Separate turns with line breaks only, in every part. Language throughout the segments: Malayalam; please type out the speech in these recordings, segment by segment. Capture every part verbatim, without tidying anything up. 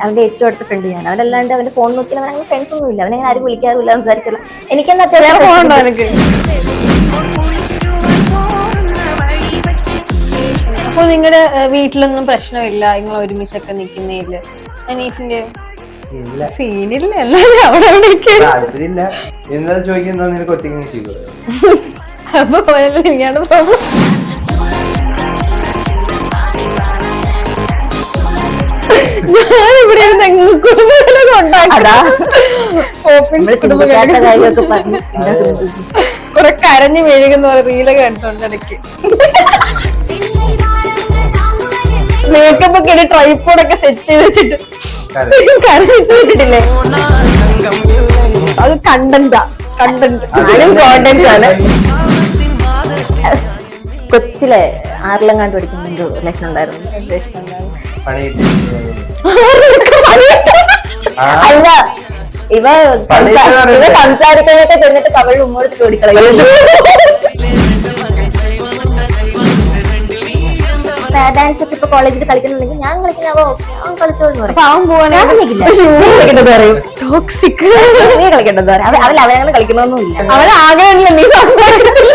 അവന്റെ ഏറ്റവും അടുത്ത ഫ്രണ്ട് ഞാൻ. അവനല്ലാണ്ട് അവന്റെ ഫോൺ നോക്കിയാൽ അവൻ അങ്ങനെ ഫ്രണ്ട്സ് ഒന്നും ഇല്ല. അവനങ്ങനെ ആരും വിളിക്കാറില്ല, സംസാരിക്കില്ല. എനിക്കെന്താ അത്യാവശ്യം
ഫോണുണ്ടോ എനിക്ക്? അപ്പൊ നിങ്ങളുടെ വീട്ടിലൊന്നും പ്രശ്നമില്ല നിങ്ങൾ ഒരുമിച്ചൊക്കെ നിക്കുന്നതില്? അനീഫിന്റെ സീനില്ല, എല്ലാരും അവിടെ
താല്പര്യമില്ല. എന്നാലും ചോദിക്കുന്ന നിനക്ക് ഒറ്റയ്ക്ക് ചെയ്തു.
അപ്പൊ ഇങ്ങനെയാണ് പ്രോബ്ലം. ഞാനിവിടെ കുറെ കരഞ്ഞു മെഴുകുന്ന പോലെ റീലൊക്കെ കണ്ടിട്ടുണ്ട് ഇടയ്ക്ക്. മേക്കപ്പ് ഒക്കെ ഇട്ട് ട്രൈപ്പോഡൊക്കെ സെറ്റ് ചെയ്ത് വെച്ചിട്ട് കരഞ്ഞിട്ട് വെച്ചിട്ടില്ലേ? അത് കണ്ടന്റാ, കണ്ടന്റ്
കോണ്ടന്റ് ആണ്. കൊച്ചിലെ ആറിലും കണ്ടു പഠിക്കുമ്പോ റിലേഷൻ ഉണ്ടായിരുന്നു. അല്ല, ഇവ ഇവ സംസാരിക്കാനൊക്കെ ചെന്നിട്ട് കവളിൽ ഉമ്മോടുത്ത് ചോദിക്കളയും. ഡാൻസ് ഒക്കെ ഇപ്പൊ കോളേജിൽ കളിക്കുന്നുണ്ടെങ്കിൽ ഞാൻ കളിക്കുന്നവോ കളിച്ചോളൂ. അപ്പൊ അവൻ പോവാണെങ്കിൽ നീ കളിക്കേണ്ടത് പറയാം. അവൻ അവനങ്ങനെ കളിക്കണമെന്നില്ല.
അവൻ ആഗ്രഹമില്ല നീ സംസാരിക്കത്തില്ല.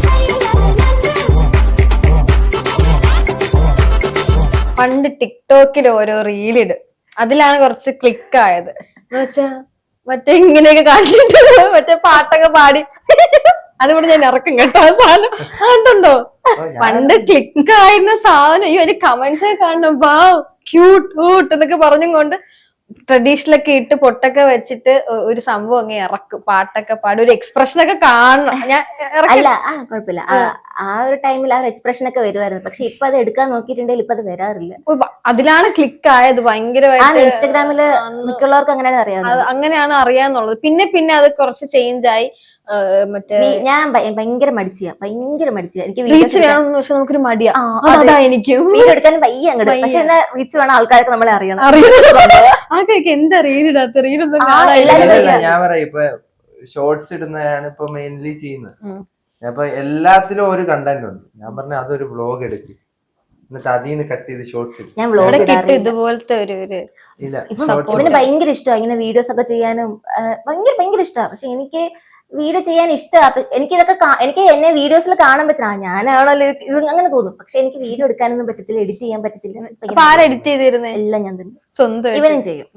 പണ്ട് ടിക്ടോക്കിൽ ഓരോ റീലിട്, അതിലാണ് കുറച്ച് ക്ലിക്ക് ആയത്. എന്ന് വെച്ചാ മറ്റേ ഇങ്ങനെയൊക്കെ കാണിച്ചിട്ട് മറ്റേ പാട്ടൊക്കെ പാടി അതുകൊണ്ട് ഞാൻ ഇറക്കും കേട്ടോ ആ സാധനം. അതുണ്ടോ പണ്ട് ക്ലിക്ക് ആയിരുന്ന സാധനം? അയ്യോ അതിന്റെ കമന്റ്സ് ഒക്കെ കാണണം, വാ ക്യൂട്ട് ക്യൂട്ട് എന്നൊക്കെ പറഞ്ഞും കൊണ്ട് ട്രഡീഷണൽ ഒക്കെ ഇട്ട് പൊട്ടൊക്കെ വെച്ചിട്ട് ഒരു സംഭവം അങ്ങ് ഇറക്കും, പാട്ടൊക്കെ പാടി ഒരു എക്സ്പ്രഷൻ ഒക്കെ കാണണം. ഞാൻ
അല്ല ആ കുഴപ്പമില്ല, ആ ഒരു ടൈമിൽ ആ ഒരു എക്സ്പ്രഷൻ ഒക്കെ വരുമായിരുന്നു. പക്ഷെ ഇപ്പൊ അത് എടുക്കാൻ നോക്കിയിട്ടുണ്ടെങ്കിൽ ഇപ്പൊ അത് വരാറില്ല.
അതിലാണ് ക്ലിക്ക് ആയത് ഭയങ്കരമായിട്ട്.
ഇൻസ്റ്റഗ്രാമില് മിക്കുള്ളവർക്ക് അങ്ങനെയാണ് അറിയാം,
അങ്ങനെയാണ് അറിയാന്നുള്ളത്. പിന്നെ പിന്നെ അത് കുറച്ച് ചേഞ്ച് ആയി. മറ്റേ
ഞാൻ ഭയങ്കര മടിച്ചിയാ, ഭയങ്കര മടിച്ചിയാ. എനിക്ക്
റീച്ച് വേണമെന്ന് പക്ഷെ നമുക്കൊരു മടിയാ. എനിക്ക്
വീഡിയോ എടുക്കാൻ വയ്യ അങ്ങോട്ട്. പക്ഷെ എന്നാ റീച്ച് വേണം, ആൾക്കാരൊക്കെ നമ്മളെ അറിയണം.
ആൾക്കാർക്ക് എന്താ റീലിടാത്ത റീലൊന്നും
ഞാൻ പറയാം. ഇപ്പൊ ഷോർട്സ് ഇടുന്നതാണ് ഇപ്പൊ മെയിൻലി ചെയ്യുന്നത്. അപ്പൊ എല്ലാത്തിലും ഒരു കണ്ടന്റ് ഉണ്ട്. ഞാൻ പറഞ്ഞ അതൊരു വ്ലോഗ് എടുക്കും, എന്നിട്ട് അതിൽ നിന്ന് കട്ട് ചെയ്ത് ഷോർട്സ്
ഞാൻ വ്ലോഗ്
ഇതുപോലത്തെ ഒരു
ഇല്ല.
ഇവന് ഭയങ്കര ഇഷ്ടമാണ് ഇങ്ങനെ വീഡിയോസ് ഒക്കെ ചെയ്യാനും, ഭയങ്കര ഭയങ്കര ഇഷ്ടമാണ്. പക്ഷെ എനിക്ക് വീഡിയോ ചെയ്യാൻ ഇഷ്ടമാണ്. എനിക്ക് ഇതൊക്കെ എനിക്ക് എന്നെ വീഡിയോസിൽ കാണാൻ പറ്റില്ല, ഞാനാണല്ലോ ഇത് അങ്ങനെ തോന്നും. പക്ഷെ എനിക്ക് വീഡിയോ എടുക്കാനൊന്നും പറ്റത്തില്ല, എഡിറ്റ് ചെയ്യാൻ പറ്റത്തില്ല.
ആര് എഡിറ്റ് ചെയ്തിരുന്നേ?
എല്ലാം ഞാൻ തന്നെ
സ്വന്തം
ഇവനും ചെയ്യും.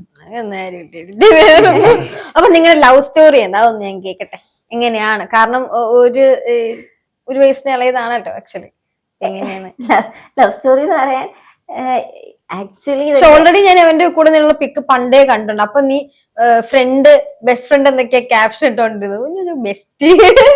അപ്പൊ നിങ്ങളുടെ ലവ് സ്റ്റോറി എന്താ ഒന്ന് ഞാൻ കേക്കട്ടെ. എങ്ങനെയാണ്? കാരണം ഒരു ഒരു വയസ്സിന് ഇളയതാണല്ലോ ആക്ച്വലി. എങ്ങനെയാണ്
ലവ് സ്റ്റോറി എന്ന് പറയാൻ? ആക്ച്വലി
ഓൾറെഡി ഞാൻ അവന്റെ കൂടെ നിന്നുള്ള പിക്ക് പണ്ടേ കണ്ടിട്ടുണ്ട്. അപ്പൊ നീ ഫ്രണ്ട് ബെസ്റ്റ് ഫ്രണ്ട് എന്തൊക്കെയാ ക്യാപ്ഷൻ ഇട്ടോണ്ടിരുന്നത്? ബെസ്റ്റ്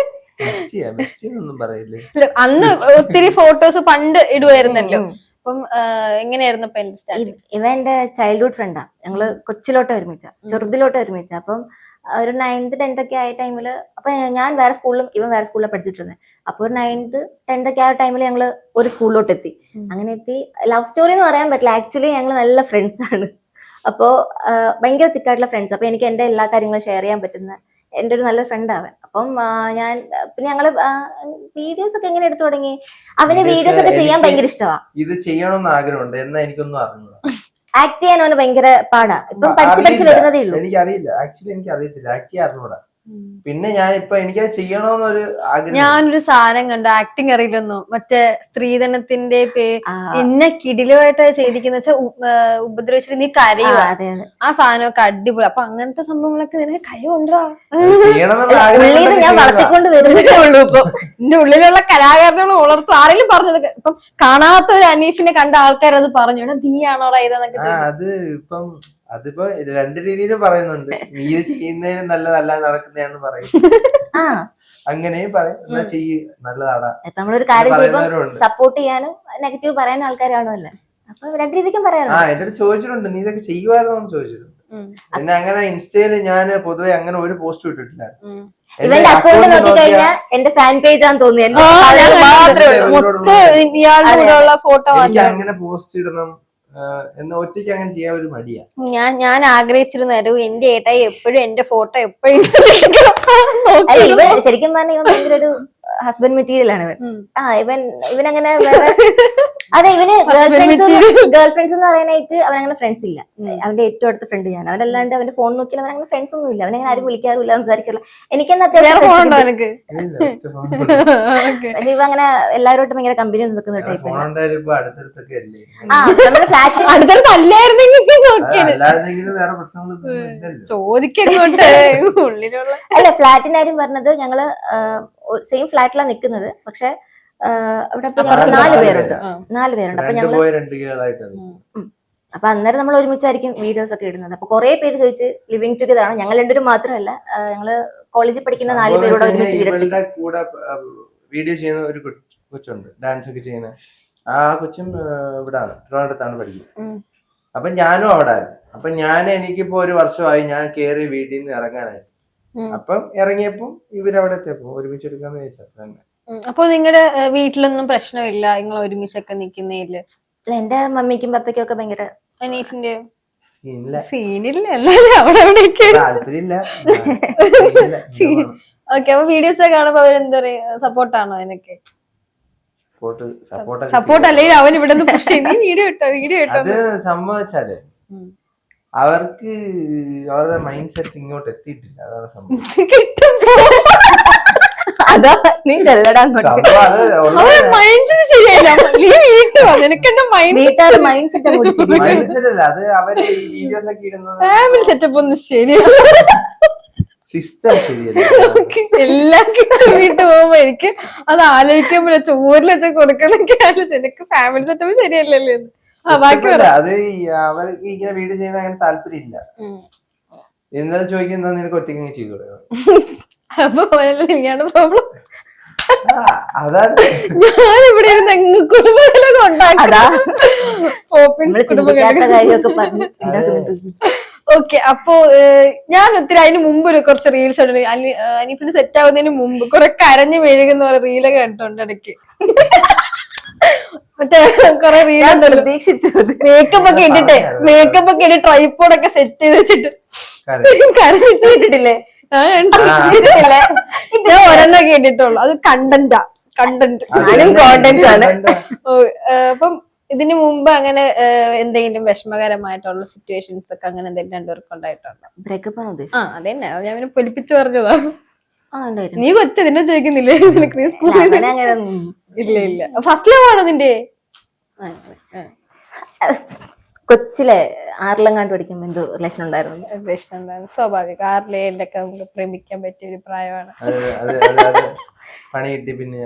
അന്ന് ഒത്തിരി ഫോട്ടോസ് പണ്ട് ഇടുവായിരുന്നല്ലോ. അപ്പം എങ്ങനെയായിരുന്നു ഇപ്പൊ എന്റെ സ്റ്റാർട്ടിങ്?
ഇവ എന്റെ ചൈൽഡ്ഹുഡ് ഫ്രണ്ടാ. ഞങ്ങള് കൊച്ചിലോട്ട് ഒരുമിച്ച, ചെറുതിലോട്ട് ഒരുമിച്ച. അപ്പം ഒരു നയൻത് ടെൻത്ത് ഒക്കെ ആയ ടൈമില്, അപ്പൊ ഞാൻ വേറെ സ്കൂളിലും ഇവൻ വേറെ സ്കൂളിലും പഠിച്ചിട്ടുണ്ട്. അപ്പൊ ഒരു നയൻത് ടെൻത്ത് ഒക്കെ ആയ ടൈമിൽ ഞങ്ങള് ഒരു സ്കൂളിലോട്ട് എത്തി. അങ്ങനെ എത്തി. ലവ് സ്റ്റോറി എന്ന് പറയാൻ പറ്റില്ല, ആക്ച്വലി ഞങ്ങൾ നല്ല ഫ്രണ്ട്സ് ആണ്. അപ്പോ ഭയങ്കര തിക്കായിട്ടുള്ള ഫ്രണ്ട്സ്. അപ്പൊ എനിക്ക് എന്റെ എല്ലാ കാര്യങ്ങളും ഷെയർ ചെയ്യാൻ പറ്റുന്ന എന്റെ ഒരു നല്ല ഫ്രണ്ട് അവൻ. അപ്പം ഞാൻ പിന്നെ ഞങ്ങള് വീഡിയോസ് ഒക്കെ എങ്ങനെ എടുത്തു തുടങ്ങി. അവന് വീഡിയോസ് ഒക്കെ ചെയ്യാൻ ഭയങ്കര ഇഷ്ടമാണ്.
ഇത് ചെയ്യണമെന്ന് ആഗ്രഹമുണ്ട്, എന്നാ എനിക്കൊന്നും അറിഞ്ഞു.
ആക്ട് ചെയ്യാൻ അവന് ഭയങ്കര പാടാ. ഇപ്പം പഠിച്ച് പഠിച്ച് വരുന്നതേ ഉള്ളൂ.
എനിക്കറിയില്ല, ആക്ച്വലി എനിക്ക് അറിയത്തില്ല, ആക്ട് ചെയ്യാൻ അറിഞ്ഞൂടാ. പിന്നെ ഞാനിപ്പൊ എനിക്കത് ചെയ്യണമെന്നൊരു ആഗ്രഹം.
ഞാനൊരു സാധനം കണ്ടു, ആക്ടിങ് അറിയില്ലെന്നോ, മറ്റേ സ്ത്രീധനത്തിന്റെ എന്നെ കിടിലുമായിട്ട് ചെയ്തിരിക്കുന്ന വെച്ചാൽ ഉപദ്രവിച്ചിട്ട് നീ കരയുക. ആ സാധനമൊക്കെ അടിപൊളി. അപ്പൊ അങ്ങനത്തെ സംഭവങ്ങളൊക്കെ നിനക്ക് കഴിവുണ്ടോ?
ഉള്ളിൽ ഞാൻ വളർത്തിക്കൊണ്ട് വരുന്നതേ ഉള്ളൂ. ഇപ്പൊ
എന്റെ ഉള്ളിലുള്ള കലാകാരനെ വളർത്തും. ആരെങ്കിലും പറഞ്ഞത് ഇപ്പം കാണാത്ത ഒരു അനീഫിനെ കണ്ട ആൾക്കാർ അത് പറഞ്ഞു, നീയാണോടാ ഇതെന്നൊക്കെ.
അത് ഇപ്പം അതിപ്പോ രണ്ട് രീതിയിലും പറയുന്നുണ്ട്. നീ ചെയ്യുന്നതിന് നല്ലതല്ല നടക്കുന്നതെന്ന് പറയും, അങ്ങനെയും പറയും. എന്നാ ചെയ്യ്, നല്ലതാടാ.
നമ്മളൊരു കാര്യം ചെയ്യുമ്പോൾ സപ്പോർട്ട് ചെയ്യാനും നെഗറ്റീവ് പറയാനും ആൾക്കാരാണല്ലോ. അപ്പൊ രണ്ട് രീതിക്കും പറയാറുണ്ട്.
ആ എന്റെ അടുത്ത് ചോദിച്ചിട്ടുണ്ട്, നീ ഇതൊക്കെ ചെയ്യുമായിരുന്നോ എന്ന് ചോദിച്ചിട്ടുണ്ട്. പിന്നെ അങ്ങനെ ഇൻസ്റ്റയില് ഞാൻ പൊതുവെ അങ്ങനെ ഒരു പോസ്റ്റ് ഇട്ടിട്ടില്ല.
ഇവന്റെ അക്കൗണ്ട് നോക്കി കഴിഞ്ഞാൽ എന്റെ ഫാൻ പേജ് ആണെന്ന് തോന്നുന്നു.
ഫോട്ടോ
അങ്ങനെ പോസ്റ്റ് ഇടണം എന്ന് ഒറ്റയ്ക്ക് അങ്ങനെ ചെയ്യാൻ ഒരു മടിയാ.
ഞാൻ ഞാൻ ആഗ്രഹിച്ചിരുന്നു എന്റെ ഏട്ടായി എപ്പോഴും എന്റെ ഫോട്ടോ എപ്പോഴും
ശരിക്കും പറഞ്ഞാൽ ഇവൻ ഭയങ്കര ഒരു ഹസ്ബൻഡ് മെറ്റീരിയൽ ആണ് ഇവൻ. ആ ഇവൻ ഇവനങ്ങനെ വേറെ അതെ ഇവന് ഗേൾ ഫ്രണ്ട്സ് ഗേൾ ഫ്രണ്ട്സ് എന്ന് പറയാനായിട്ട് അവനങ്ങനെ ഫ്രണ്ട്സ് ഇല്ല. അവന്റെ ഏറ്റവും അടുത്ത ഫ്രണ്ട് ഞാൻ. അവനല്ലാണ്ട് അവന്റെ ഫോൺ നോക്കിയാൽ അവൻ അങ്ങനെ ഫ്രണ്ട്സ് ഒന്നും ഇല്ല. അവനങ്ങനെ ആരും വിളിക്കാറില്ല, സംസാരിക്കില്ല. എനിക്കെന്നാ അത്യാവശ്യം പക്ഷെ ഇവ അങ്ങനെ എല്ലാവരോട്ടും ഭയങ്കര കമ്പനി ഒന്നും വെക്കുന്ന ടൈപ്പ്. ആ നമ്മുടെ ഫ്ലാറ്റ്
ചോദിക്കോട്ടെ ഉള്ളിലുള്ള
അല്ല ഫ്ലാറ്റിന്റെ കാര്യം പറഞ്ഞത് ഞങ്ങള് സെയിം ഫ്ലാറ്റിലാണ് നിൽക്കുന്നത്. പക്ഷെ അവിടെ നാല് പേരുണ്ട് നാല് പേരുണ്ട് അപ്പൊ ഞങ്ങള് അപ്പൊ അന്നേരം നമ്മൾ ഒരുമിച്ചായിരിക്കും വീഡിയോസ് ഒക്കെ ഇടുന്നത്. അപ്പൊ കുറെ പേര് ചോദിച്ച് ലിവിങ് ടുഗദർ ആണ്. ഞങ്ങൾ രണ്ടുപേരും മാത്രമല്ല, ഞങ്ങള് കോളേജിൽ പഠിക്കുന്ന നാല് പേരോട് ഒരുമിച്ച്
കൂടെ വീഡിയോ ചെയ്യുന്ന ഒരു കൊച്ചുണ്ട്, ഡാൻസ് ഒക്കെ ചെയ്യുന്ന ആ കൊച്ചും ഇവിടാണ്, ട്രിവാൻഡ്രത്താണ് പഠിക്കുന്നത്. അപ്പൊ ഞാനും അവിടെ ആയിരുന്നു. അപ്പൊ ഞാൻ എനിക്കിപ്പോ ഒരു വർഷമായി ഞാൻ കേറി വീട്ടിൽ നിന്ന് ഇറങ്ങാനായി. അപ്പം ഇറങ്ങിയപ്പോ ഇവരവിടെ എത്തിയപ്പോ ഒരുമിച്ച് എടുക്കാന്ന് ചോദിച്ചാൽ തന്നെ.
അപ്പൊ നിങ്ങളുടെ വീട്ടിലൊന്നും പ്രശ്നമില്ല നിങ്ങൾ ഒരുമിച്ചൊക്കെ നിക്കുന്നതില്?
എന്റെ മമ്മിക്കും പപ്പയ്ക്കും ഒക്കെ ഭയങ്കര
അനീഫിന്റെ
സീനില്ല,
അവിടെ എവിടെയൊക്കെ
താല്പര്യമില്ല.
ഓക്കെ. അപ്പൊ വീഡിയോസ് ഒക്കെ കാണുമ്പോ അവരെന്താ പറയാ, സപ്പോർട്ടാണോ അതിനൊക്കെ? സപ്പോർട്ട് അല്ലെങ്കിൽ അവൻ ഇവിടെ നിന്ന് പുഷ് ചെയ്ത് വീഡിയോ ഇട്ടോ വീഡിയോ ഇട്ടോ
അത് സംഭവിച്ചാല് അവർക്ക് അവരുടെ മൈൻഡ് സെറ്റ് ഇങ്ങോട്ട് എത്തിയിട്ടില്ല. അതാണ് സംഭവം.
അതാ നീ ചെല്ലടാൻ
ഫാമിലി സെറ്റപ്പ് ഒന്നും ശരിയല്ല. എല്ലാം കിട്ടും വീട്ടിൽ പോകുമ്പോ എനിക്ക് അത് ആലോചിക്കുമ്പോഴേ ചോറിൽ വെച്ച കൊടുക്കണൊക്കെ ആലോചിച്ചു. എനിക്ക് ഫാമിലി സെറ്റപ്പ് ശരിയല്ലല്ലോ. ആ ബാക്കി
അത് അവർക്ക് ഇങ്ങനെ വീഡിയോ ചെയ്യുന്ന അങ്ങനെ താല്പര്യമില്ല. എന്നാലും ചോദിക്കുന്ന നിനക്ക് ഒറ്റയ്ക്ക് ചെയ്തോളൂ.
അപ്പൊ ഇങ്ങനെയാണ് പ്രോബ്ലം.
അതാണ്
ഞാനിവിടെ ഇരുന്ന് കുടുംബങ്ങളൊക്കെ ഓക്കെ. അപ്പൊ ഞാൻ ഒത്തിരി അതിന് മുമ്പ് ഒരു കുറച്ച് റീൽസ് ഉണ്ട്. അനീഫിന് സെറ്റ് ആവുന്നതിന് മുമ്പ് കുറെ കരഞ്ഞു മെഴുകുന്ന കുറെ റീലൊക്കെ കണ്ടിട്ടുണ്ട് ഇടയ്ക്ക്. മറ്റേ കൊറേ റീലുണ്ടല്ലോ മേക്കപ്പ് ഒക്കെ ഇട്ടിട്ട് മേക്കപ്പ് ഒക്കെ ഇട്ട് ട്രൈപ്പോഡൊക്കെ സെറ്റ് ചെയ്ത് വെച്ചിട്ട് കരഞ്ഞിട്ട് ഇട്ടിട്ടില്ലേ? ഞാൻ ഒരെണ്ണം കേട്ടിട്ടുള്ളൂ. അത് കണ്ടന്റാ, കണ്ടന്റ് കോണ്ടന്റ് ആണ്. അപ്പം ഇതിനു മുമ്പ് അങ്ങനെ എന്തെങ്കിലും വിഷമകരമായിട്ടുള്ള സിറ്റുവേഷൻസ് ഒക്കെ അങ്ങനെ എന്തെങ്കിലും രണ്ടുപേർക്ക് ഉണ്ടായിട്ടുണ്ടോ?
ബ്രേക്കപ്പ് ആണ് ഉദ്ദേശിച്ചത്.
ആ അതന്നെ, ഞാൻ പിന്നെ പൊലിപ്പിച്ച് പറഞ്ഞതാ. നീ കൊച്ചു നിന്നെ ചോദിക്കുന്നില്ലേ? ഇല്ല ഇല്ല. ഫസ്റ്റ് ലവ് ആണോ നിന്റെ?
കൊച്ചിലെ ആറിലെങ്ങാണ്ട് പഠിക്കുമ്പോ എന്തോ റിലേഷൻ ഉണ്ടായിരുന്നു.
റിലേഷൻ ഉണ്ടായിരുന്നു, സ്വാഭാവികം. ആറിലെ ഏഴിലൊക്കെ നമുക്ക് പ്രേമിക്കാൻ പറ്റിയ ഒരു പ്രായമാണ്.
പണി കിട്ടി പിന്നെ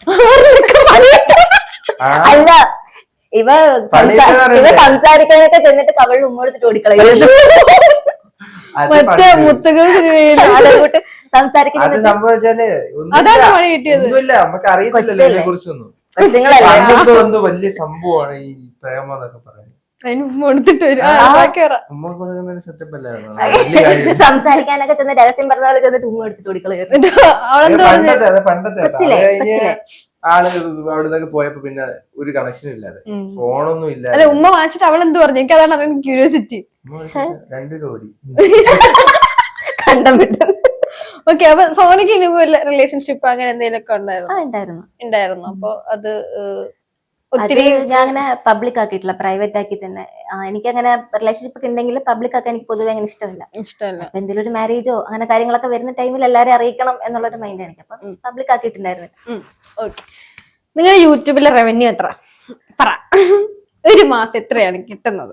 അല്ല ഇവ ഇവ സംസാരിക്കാനൊക്കെ ചെന്നിട്ട് കവളിൽ ഉമ്മെടുത്തിട്ട് ഓടിക്കളയുന്നു.
മറ്റേ മുത്തുകൾ
സംസാരിക്കുന്നത്
അതാണ് പണി കിട്ടിയത്.
നമുക്ക് അറിയത്തില്ലല്ലോ ഇതിനെ കുറിച്ചൊന്നും. എന്തോ വലിയ സംഭവമാണ് ഈ പ്രേമം എന്നൊക്കെ പറയുന്നത്.
അതിന് ഉമ്മ കൊടുത്തിട്ട് വരും.
സംസാരിക്കാനൊക്കെ ചെന്ന് രഹസ്യം പറഞ്ഞ പോലെ ചെന്നിട്ട് ഉമ്മ എടുത്തിട്ട് ഓടിക്കളയുന്നു.
പണ്ടത്തെ ആള് അവിടെ പോയപ്പോ പിന്നെ ഒരു കണക്ഷനും ഇല്ലാതെ, ഫോണൊന്നും ഇല്ല.
അല്ല ഉമ്മ വാങ്ങിച്ചിട്ട് അവൾ എന്ത് പറഞ്ഞു? എനിക്ക് അതാണ് അറിയാൻ ക്യൂരിയോസിറ്റി.
രണ്ടു കോടി
കണ്ടം വിട്ടു.
ഓക്കെ. അപ്പൊ സോനിക്ക് ഇനി റിലേഷൻഷിപ്പ് അങ്ങനെ എന്തെങ്കിലുമൊക്കെ
ഉണ്ടായിരുന്നു
ഉണ്ടായിരുന്നു അപ്പൊ അത്
ഒത്തിരി ഞാൻ അങ്ങനെ പബ്ലിക് ആക്കിയിട്ടില്ല, പ്രൈവറ്റ് ആക്കി തന്നെ. എനിക്കങ്ങനെ റിലേഷൻഷിപ്പ് ഒക്കെ ഉണ്ടെങ്കിൽ പബ്ലിക് ആക്കാൻ എനിക്ക് പൊതുവെ അങ്ങനെ ഇഷ്ടമില്ല.
ഇഷ്ടമല്ല.
അപ്പൊ എന്തെങ്കിലും ഒരു മാരേജോ അങ്ങനെ കാര്യങ്ങളൊക്കെ വരുന്ന ടൈമിൽ എല്ലാവരും അറിയിക്കണം എന്നുള്ളൊരു മൈൻഡ് എനിക്ക്. അപ്പൊ പബ്ലിക് ആക്കിയിട്ടുണ്ടായിരുന്നു.
ഓക്കെ. നിങ്ങളുടെ യൂട്യൂബിലെ റവന്യൂ എത്ര പറ? ഒരു മാസം എത്രയാണ് കിട്ടുന്നത്?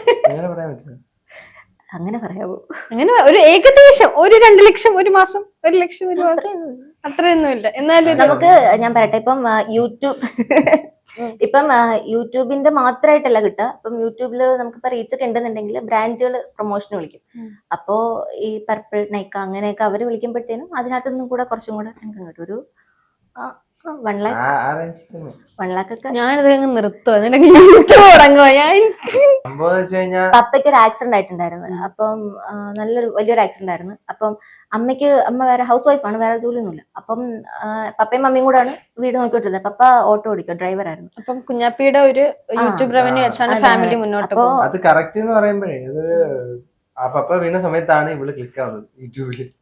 അങ്ങനെ പറയാവോ?
അങ്ങനെ ഒരു ഏകദേശം ഒരു രണ്ട് ലക്ഷം ഒരു മാസം, ഒരു ലക്ഷം ഒരു മാസം, അത്രയൊന്നുമില്ല. എന്നാലും
നമുക്ക് ഞാൻ പറയട്ടെ, ഇപ്പം യൂട്യൂബ് ഇപ്പം യൂട്യൂബിന്റെ മാത്രമായിട്ടല്ല കിട്ടുക. ഇപ്പം യൂട്യൂബില് നമുക്കിപ്പോ റീച്ച് ഒക്കെ ഉണ്ടെന്നുണ്ടെങ്കിൽ ബ്രാൻഡുകൾ പ്രൊമോഷന് വിളിക്കും. അപ്പോ ഈ പർപ്പിൾ, നൈക്ക അങ്ങനെയൊക്കെ അവര് വിളിക്കുമ്പോഴത്തേനും അതിനകത്ത് നിന്നും കൂടെ കുറച്ചും കൂടെ എനിക്ക് കിട്ടും. ഒരു വൺ ലാക്ക് വൺ ലാക്ക് ഒക്കെ.
ഞാനിത് നിർത്തുക.
പപ്പയ്ക്ക് ഒരു ആക്സിഡന്റ് ആയിട്ടുണ്ടായിരുന്നു. അപ്പം നല്ലൊരു വലിയൊരു ആക്സിഡന്റ് ആയിരുന്നു. അപ്പം അമ്മയ്ക്ക് അമ്മ വേറെ ഹൗസ് വൈഫാണ്, വേറെ ജോലിയൊന്നുമില്ല. അപ്പം പപ്പയും മമ്മിയും കൂടാണ് വീട് നോക്കിക്കൊണ്ടിരുന്നത്. പപ്പ ഓട്ടോ ഓടിക്കുക, ഡ്രൈവർ ആയിരുന്നു.
അപ്പം കുഞ്ഞാപ്പിയുടെ ഒരു യൂട്യൂബ് റവന്യൂ വെച്ചാണ് ഫാമിലി മുന്നോട്ട് പോകുന്നത്.
അത് കറക്റ്റ് എന്ന് പറയുമ്പോഴേ അത് ആ പപ്പ വീണ സമയത്താണ് ഇവള് ക്ലിക്ക് ആവുന്നത് യൂട്യൂബില്.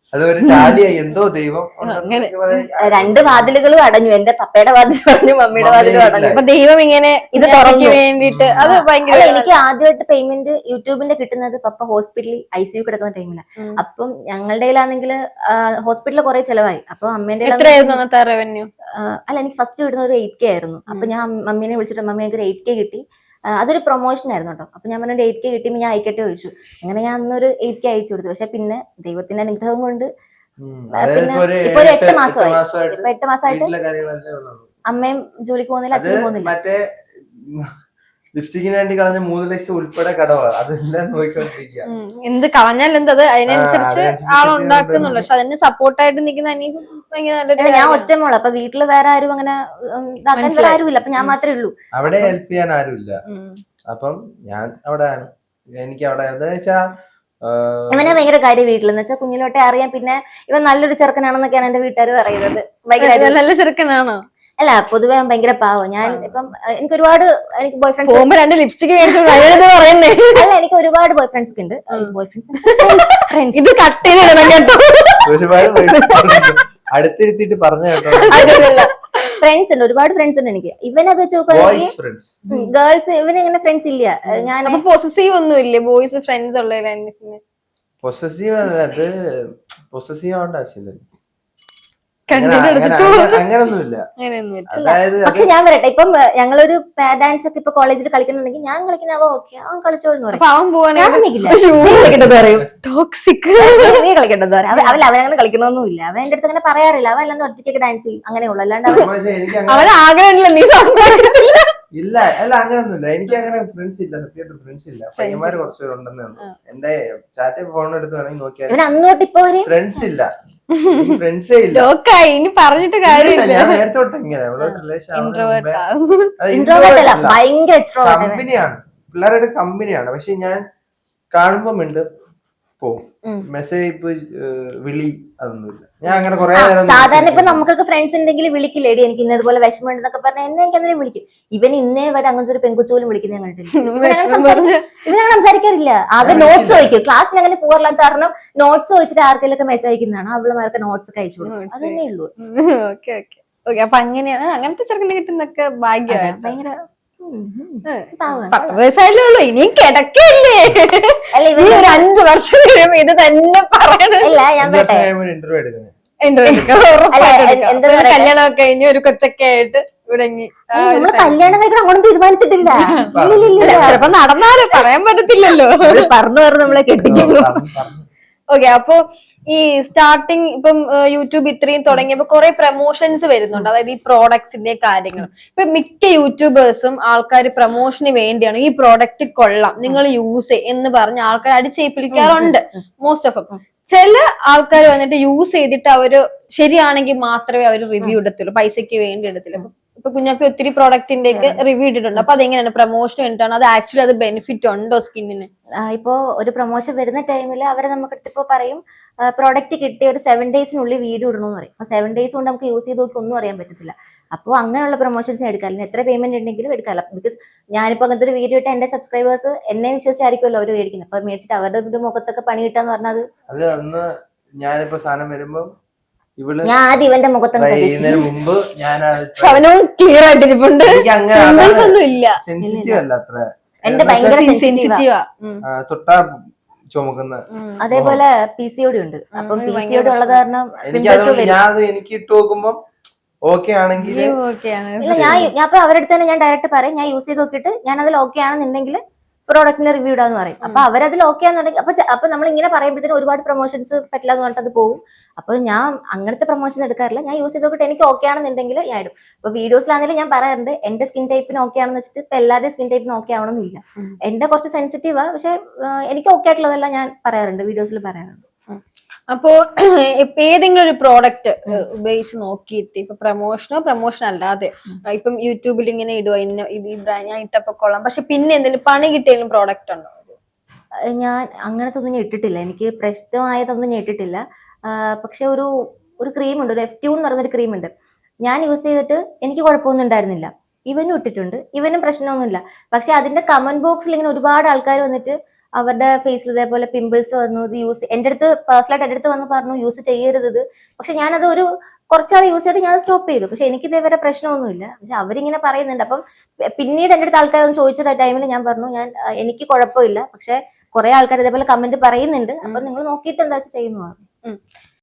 അതൊരു ടാലിയായി എന്തോ ദൈവം
അങ്ങനെ.
രണ്ട് വാതിലുകളും അടഞ്ഞു. എന്റെ പപ്പയുടെ വാതിൽ പറഞ്ഞു, മമ്മിയുടെ വാതിലും അടഞ്ഞു.
അപ്പൊ ദൈവം ഇങ്ങനെ
ഇത്
തുറന്നു
തുറന്നു
വേണ്ടിട്ട് അത് ഭയങ്കര
അല്ല, എനിക്ക് ആദ്യമായിട്ട് പേയ്മെന്റ് യൂട്യൂബിന്റെ കിട്ടുന്നത് പപ്പ ഹോസ്പിറ്റലിൽ ഐ സി യു കിടക്കുന്ന ടൈമിലാണ്. അപ്പം ഞങ്ങളുടെ കയ്യിലാണെങ്കിൽ ഹോസ്പിറ്റലിൽ കുറെ ചെലവായി. അപ്പൊ അമ്മേന്റെ
എത്രയായിരുന്നു അന്നത്തെ റവന്യൂ?
അല്ല, എനിക്ക് ഫസ്റ്റ് കിട്ടുന്ന ഒരു എയ്റ്റ് കെ ആയിരുന്നു. അപ്പൊ ഞാൻ മമ്മീനെ വിളിച്ചിട്ട് മമ്മി എനിക്ക് ഒരു എയ്റ്റ് കെ കിട്ടി. അതൊരു പ്രൊമോഷൻ ആയിരുന്നു കേട്ടോ. അപ്പൊ ഞാൻ പറഞ്ഞ എയ്റ്റ് കെ കിട്ടിയപ്പോൾ ഞാൻ അയക്കട്ടെ ചോദിച്ചു. അങ്ങനെ ഞാൻ അന്നൊരു എയ്റ്റ് കെ അയച്ചു കൊടുത്തു. പക്ഷെ പിന്നെ ദൈവത്തിന്റെ അനുഗ്രഹം കൊണ്ട് പിന്നെ ഇപ്പൊ ഒരു എട്ട് മാസമായി. ഇപ്പൊ എട്ട് മാസമായിട്ട് അമ്മയും ജോലിക്ക് പോകുന്നില്ല, അച്ഛനും പോകുന്നില്ല.
മറ്റേ ലിപ്സ്റ്റിക്കിന് വേണ്ടി കളഞ്ഞ മൂന്ന് ലക്ഷം ഉൾപ്പെടെ കടവാണ്. അതെല്ലാം നോക്കിക്കൊണ്ടിരിക്കുക.
എന്ത് കളഞ്ഞാൽ എന്തത് അതിനനുസരിച്ച് ആളുണ്ടാക്കുന്നുള്ളു. പക്ഷെ അതിന് സപ്പോർട്ടായിട്ട് നിൽക്കുന്ന അനീഫ് ഭയങ്കര നല്ലൊരു.
ഞാൻ ഒറ്റമോള്. അപ്പൊ വീട്ടില് വേറെ ആരും അങ്ങനെ ഇതാക്കാൻ വേറെ ആരുമില്ല. അപ്പൊ ഞാൻ മാത്രമേ ഉള്ളൂ.
അവിടെ ഹെൽപ്പ് ചെയ്യാൻ ആരുമില്ല. അപ്പം ഞാൻ അവിടെ എനിക്ക് അവിടെ എന്താ വെച്ചാ
ഇവനെ ഭയങ്കര കാര്യം വീട്ടിലെന്ന് വെച്ചാൽ കുഞ്ഞിലോട്ടെ അറിയാം. പിന്നെ ഇവൻ നല്ലൊരു ചെറുക്കനാണെന്നൊക്കെയാണ് എന്റെ വീട്ടുകാർ പറയുന്നത്. ഭയങ്കര
നല്ല ചെറുക്കനാണോ?
അല്ല, പൊതുവെ ഭയങ്കര പാവം. ഞാൻ ഇപ്പം എനിക്ക് ഒരുപാട് എനിക്ക് ബോയ് ഫ്രണ്ട്സ്
പോകുമ്പോ രണ്ട് ലിപ്സ്റ്റിക് പറയുന്നേ.
അല്ല, എനിക്ക് ഒരുപാട് ബോയ് ഫ്രണ്ട്സ് ഉണ്ട്. ബോയ് ഫ്രണ്ട്സ്
ഇത് കട്ട് ചെയ്തിടണം കേട്ടോ.
ഒരുപാട് അടുത്തിരുത്തിട്ട് പറഞ്ഞു കേട്ടോ.
ഫ്രണ്ട്സ് ഉണ്ട്, ഒരുപാട് ഫ്രണ്ട്സ് ഉണ്ട് എനിക്ക്. ഇവനത് വെച്ച് നോക്കുകയാണെങ്കിൽ ഗേൾസ് ഇവന് ഇങ്ങനെ ഫ്രണ്ട്സ് ഇല്ല. ഞാൻ
പോസസീവ് ഒന്നും ഇല്ലേ ബോയ്സ് ഫ്രണ്ട്സ് ഉള്ള?
പൊസസീവ് അത് പൊസസീവ് ആവേണ്ട ആവശ്യമില്ല. അങ്ങനൊന്നുമില്ല. അതായത്
പക്ഷെ ഞാൻ വരട്ടെ, ഇപ്പം ഞങ്ങളൊരു ഡാൻസ് ഒക്കെ ഇപ്പൊ കോളേജിൽ കളിക്കുന്നുണ്ടെങ്കിൽ ഞാൻ കളിക്കുന്ന അവ ഓക്കെ അവൻ കളിച്ചോളെന്ന് പറയും. നീ കളിക്കണ്ടെന്ന് പറയാം. അവൻ അവനങ്ങനെ കളിക്കണമെന്നില്ല. അവൻ എന്റെ അടുത്ത് അങ്ങനെ പറയാറില്ല. അവൻ അല്ലാണ്ട് ഒറ്റയ്ക്ക് ഡാൻസ് ചെയ്യും, അങ്ങനെയുള്ളൂ. അല്ലാണ്ട്
അവൻ ആഗ്രഹമില്ല നീ സംസാരിക്കത്തില്ല.
ഇല്ല, അല്ല അങ്ങനൊന്നുമില്ല. എനിക്ക് അങ്ങനെ ഫ്രണ്ട്സ് ഇല്ല, സത്യമായിട്ട് ഫ്രണ്ട്സ് ഇല്ല. പയ്യന്മാര് കുറച്ചുപേരുണ്ടെന്നേ ഉള്ളൂ. എന്റെ ചാറ്റ് ഫോൺ എടുത്ത് വേണമെങ്കിൽ നോക്കിയാൽ
അങ്ങോട്ട് ഇപ്പൊ
ഫ്രണ്ട്സ് ഇല്ല, ഫ്രണ്ട്സേ ഇല്ല.
ഇനി പറഞ്ഞിട്ട് കാര്യമില്ല.
ഞാൻ നേരത്തെ തൊട്ട് ഇങ്ങനെ കമ്പനിയാണ്, പിള്ളേരുടെ കമ്പനിയാണ്. പക്ഷെ ഞാൻ കാണുമ്പോ മിണ്ട് പോവും. മെസ്സേജ് ഇപ്പൊ വിളി അതൊന്നുമില്ല. ഞാൻ അങ്ങനെ കുറെ
സാധാരണ ഇപ്പൊ നമുക്കൊക്കെ ഫ്രണ്ട്സ് ഉണ്ടെങ്കിൽ വിളിക്കില്ലേടി എനിക്ക് ഇന്നതുപോലെ വിഷമം ഉണ്ടെന്നൊക്കെ പറഞ്ഞാൽ എന്നെ എനിക്ക് എന്തെങ്കിലും വിളിക്കും. ഇവൻ ഇന്നേ വരെ അങ്ങനത്തെ ഒരു പെൺകുച്ചു പോലും വിളിക്കുന്ന കണ്ടിട്ടില്ല. ഇവനങ്ങനെ സംസാരിക്കാറില്ല. ആകെ നോട്ട്സ് ചോദിക്കും. ക്ലാസ്സിൽ അങ്ങനെ പോകാറില്ലാത്ത കാരണം നോട്ട്സ് ചോദിച്ചിട്ട് ആർക്കെല്ലാം മെസ്സേജ് അയക്കുന്നതാണ്. അവളുമാർക്ക് നോട്ട്സ് കഴിച്ചു കൊടുക്കും. അതന്നെ ഉള്ളൂ.
Okay okay okay. അപ്പൊ അങ്ങനെയാണ് അങ്ങനത്തെ ചെറുക്കനെ കിട്ടുന്നൊക്കെ ഭാഗ്യമായിട്ട്. ഭയങ്കര പത്ത് വയസ്സായാലേ ഉള്ളൂ, ഇനിയും കിടക്കല്ലേ.
അല്ല, ഇവ
ഒരു അഞ്ചു വർഷം കഴിയുമ്പോ ഇത് തന്നെ പറയണല്ല.
ഞാൻ
ഇന്റർവ്യൂ എടുക്കുന്നത്
കല്യാണമൊക്കെ കഴിഞ്ഞ് ഒരു കൊച്ചൊക്കെ ആയിട്ട് ഇവിടെ
നമ്മള് കല്യാണം കഴിക്കണം അങ്ങോട്ടും തീരുമാനിച്ചിട്ടില്ല.
ചിലപ്പോ നടന്നാലും പറയാൻ പറ്റത്തില്ലല്ലോ.
പറഞ്ഞു പറഞ്ഞു നമ്മളെ കെട്ടിക്കുന്നു.
ഓക്കെ. അപ്പൊ ഈ സ്റ്റാർട്ടിങ് ഇപ്പം യൂട്യൂബ് ഇത്രയും തുടങ്ങിയപ്പോ കുറെ പ്രൊമോഷൻസ് വരുന്നുണ്ട്. അതായത് ഈ പ്രോഡക്ട്സിന്റെ കാര്യങ്ങളും. ഇപ്പൊ മിക്ക യൂട്യൂബേഴ്സും ആൾക്കാർ പ്രൊമോഷന് വേണ്ടിയാണ് ഈ പ്രോഡക്റ്റ് കൊള്ളാം നിങ്ങൾ യൂസ് ചെയ് എന്ന് പറഞ്ഞ് ആൾക്കാർ അടിച്ചേൽപ്പിക്കാറുണ്ട് മോസ്റ്റ് ഓഫ്. ചില ആൾക്കാർ വന്നിട്ട് യൂസ് ചെയ്തിട്ട് അവര് ശരിയാണെങ്കിൽ മാത്രമേ അവർ റിവ്യൂ എടുത്തുള്ളൂ, പൈസക്ക് വേണ്ടി എടുത്തില്ല. ഇപ്പൊ കുഞ്ഞാപ്പി ഒത്തിരി പ്രോഡക്റ്റിന്റെ ഒക്കെ റിവ്യൂ ഇട്ടിട്ടുണ്ട്. അപ്പൊ അതെങ്ങനെയാണ് പ്രൊമോഷൻ വേണ്ടിയിട്ടാണ് അത് ആക്ച്വലി അത് ബെനിഫിറ്റ് ഉണ്ടോ സ്കിന്നിന്?
ഇപ്പോ ഒരു പ്രൊമോഷൻ വരുന്ന ടൈമിൽ അവരെ നമുക്ക് ഇപ്പൊ പറയും പ്രോഡക്റ്റ് കിട്ടിയ ഒരു സെവൻ ഡേയ്സിനുള്ളിൽ വീഡിയോ ഇടണമെന്ന് പറയും. അപ്പൊ സെവൻ ഡേയ്സ് കൊണ്ട് നമുക്ക് യൂസ് ചെയ്ത് നോക്കി ഒന്നും അറിയാൻ പറ്റത്തില്ല. അപ്പോൾ അങ്ങനെയുള്ള പ്രൊമോഷൻസ് എടുക്കാറില്ല. എത്ര പേയ്മെന്റ് ഉണ്ടെങ്കിലും എടുക്കാറില്ല. ബിക്കോസ് ഞാനിപ്പോ അങ്ങനത്തെ ഒരു വീഡിയോ ഇട്ട് എന്റെ സബ്സ്ക്രൈബേഴ്സ് എന്നെ വിശ്വസിച്ചായിരിക്കുമല്ലോ അവർ മേടിക്കുന്നത്. അപ്പൊ മേടിച്ചിട്ട് അവരുടെ മുഖത്തൊക്കെ പണി കിട്ടാന്ന് പറഞ്ഞത്
അത് അന്ന് ഞാനിപ്പോ സാധനം വരുമ്പോ
ഞാൻ ആദ്യം ഇവന്റെ മുഖത്ത്
മുമ്പ് ഞാൻ
ക്ലിയർ ആയിട്ടിരിപ്പുണ്ട്.
സെൻസിറ്റീവ് അല്ല അത്ര,
എന്റെ ഭയങ്കര സെൻസിറ്റീവാ.
തൊട്ടാ ചുമക്കുന്ന.
അതേപോലെ പി സി ഒ ഡി ഉണ്ട്. അപ്പം പി സി ഒ ഡി ഉള്ളത് കാരണം
ഞാൻ എനിക്ക് ഇട്ട് നോക്കുമ്പോ ഓക്കെ ആണെങ്കിൽ
ഇല്ല, ഞാൻ ഞാൻ ഇപ്പൊ അവരുടെ അടുത്ത് തന്നെ ഞാൻ ഡയറക്റ്റ് പറയും ഞാൻ യൂസ് ചെയ്ത് നോക്കിയിട്ട് ഞാൻ അതിൽ ഓക്കെ ആണെന്നുണ്ടെങ്കിൽ പ്രോഡക്റ്റിന്റെ റിവ്യൂ ഇടാന്ന് പറയും. അപ്പൊ അവരതിൽ ഓക്കെ ആണെന്നുണ്ടെങ്കിൽ അപ്പൊ അപ്പൊ നമ്മൾ ഇങ്ങനെ പറയുമ്പോഴത്തേനും ഒരുപാട് പ്രൊമോഷൻസ് പറ്റില്ല എന്ന് പറഞ്ഞിട്ട് അത് പോകും. അപ്പൊ ഞാൻ അങ്ങനത്തെ പ്രൊമോഷൻ എടുക്കാറില്ല. ഞാൻ യൂസ് ചെയ്ത് നോക്കിയിട്ട് എനിക്ക് ഓക്കെ ആണെന്നുണ്ടെങ്കിൽ ഞാൻ ഇടും. ഇപ്പൊ വീഡിയോസിലാണെങ്കിലും ഞാൻ പറയാറുണ്ട് എന്റെ സ്കിൻ ടൈപ്പിന് ഓക്കെ ആണെന്ന് വെച്ചിട്ട് ഇപ്പൊ എല്ലാവരുടെയും സ്കിൻ ടൈപ്പിന് ഓക്കെ ആവണമെന്നില്ല. എന്റെ കുറച്ച് സെൻസിറ്റീവാ, പക്ഷെ എനിക്ക് ഓക്കെ ആയിട്ടുള്ളതെല്ലാം ഞാൻ പറയാറുണ്ട്, വീഡിയോസിൽ പറയാറുണ്ട്.
അപ്പോ ഇപ്പൊ ഏതെങ്കിലും ഒരു പ്രോഡക്റ്റ് ഉപയോഗിച്ച് നോക്കിയിട്ട് ഇപ്പൊ പ്രൊമോഷനോ പ്രൊമോഷൻ അല്ലാതെ ഇപ്പം യൂട്യൂബിൽ ഇങ്ങനെ ഇടുവോ ഇന്ന ഇത് ഈ ബ്രാൻഡ് ഞാൻ ഇട്ടപ്പോ കൊള്ളാം, പക്ഷെ പിന്നെ എന്തെങ്കിലും പണി കിട്ടിയാലും പ്രോഡക്റ്റ് ഉണ്ടോ?
ഞാൻ അങ്ങനത്തെ ഒന്നും ഞാൻ ഇട്ടിട്ടില്ല. എനിക്ക് പ്രശ്നമായതൊന്നും ഞാൻ ഇട്ടിട്ടില്ല. പക്ഷെ ഒരു ഒരു ക്രീം ഉണ്ട്, ഒരു എഫ് ട്യൂൺ എന്ന് പറയുന്നൊരു ക്രീം ഉണ്ട്. ഞാൻ യൂസ് ചെയ്തിട്ട് എനിക്ക് കുഴപ്പമൊന്നും ഉണ്ടായിരുന്നില്ല. ഇവനും ഇട്ടിട്ടുണ്ട്, ഇവനും പ്രശ്നമൊന്നുമില്ല. പക്ഷെ അതിന്റെ കമന്റ് ബോക്സിൽ ഇങ്ങനെ ഒരുപാട് ആൾക്കാർ വന്നിട്ട് അവരുടെ ഫേസിൽ ഇതേപോലെ പിമ്പിൾസ് വന്നു, ഇത് യൂസ് എന്റെ അടുത്ത് പേഴ്സണലായിട്ട് എന്റെ അടുത്ത് വന്ന് പറഞ്ഞു യൂസ് ചെയ്യരുത് ഇത്. പക്ഷെ ഞാനത് ഒരു കുറച്ചാൾ യൂസ് ചെയ്തിട്ട് ഞാൻ സ്റ്റോപ്പ് ചെയ്തു. പക്ഷെ എനിക്ക് ഇതേവരെ പ്രശ്നമൊന്നുമില്ല. പക്ഷെ അവരിങ്ങനെ പറയുന്നുണ്ട്. അപ്പം പിന്നീട് എന്റെ അടുത്ത് ആൾക്കാരൊന്നും ചോദിച്ചിട്ട് ടൈമിൽ ഞാൻ പറഞ്ഞു ഞാൻ എനിക്ക് കുഴപ്പമില്ല, പക്ഷെ കുറെ ആൾക്കാർ ഇതേപോലെ കമന്റ് പറയുന്നുണ്ട്, അപ്പൊ നിങ്ങൾ നോക്കിയിട്ട് എന്താ വെച്ചാൽ ചെയ്യുന്നു.